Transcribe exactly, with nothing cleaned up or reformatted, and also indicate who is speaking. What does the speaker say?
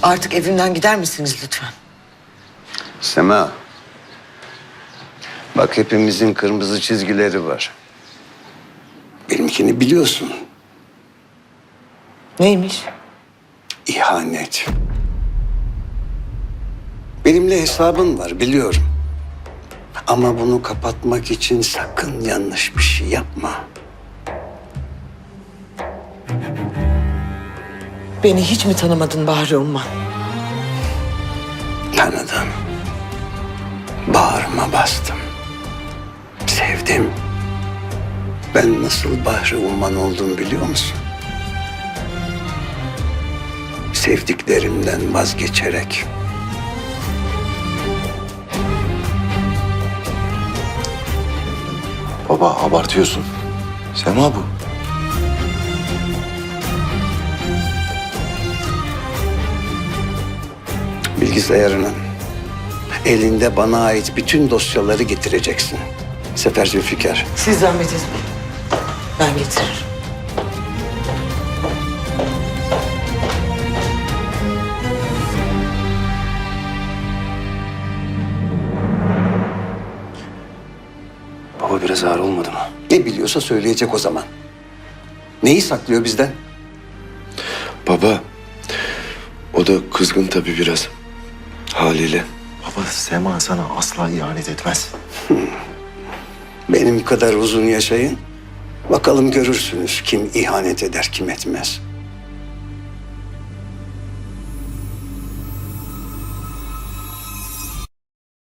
Speaker 1: Artık evimden gider misiniz lütfen?
Speaker 2: Sema. Bak hepimizin kırmızı çizgileri var. Benimkini biliyorsun.
Speaker 1: Neymiş?
Speaker 2: İhanet. Benimle hesabın var biliyorum. Ama bunu kapatmak için sakın yanlış bir şey yapma.
Speaker 1: Beni hiç mi tanımadın Bahri Umman?
Speaker 2: Tanıdım. Bağrıma bastım. Sevdim. Ben nasıl Bahri Umman oldum biliyor musun? Sevdiklerimden vazgeçerek.
Speaker 3: Baba abartıyorsun. Sema bu.
Speaker 2: Bilgisayarına elinde bana ait bütün dosyaları getireceksin. Sefer Zülfikar.
Speaker 1: Siz zahmet etmeyin. Ben getiririm.
Speaker 3: Baba biraz ağır olmadı mı?
Speaker 2: Ne biliyorsa söyleyecek o zaman. Neyi saklıyor bizden?
Speaker 3: Baba o da kızgın tabii biraz. Haliyle. Baba Sema sana asla ihanet etmez.
Speaker 2: Benim kadar uzun yaşayın. Bakalım görürsünüz kim ihanet eder, kim etmez.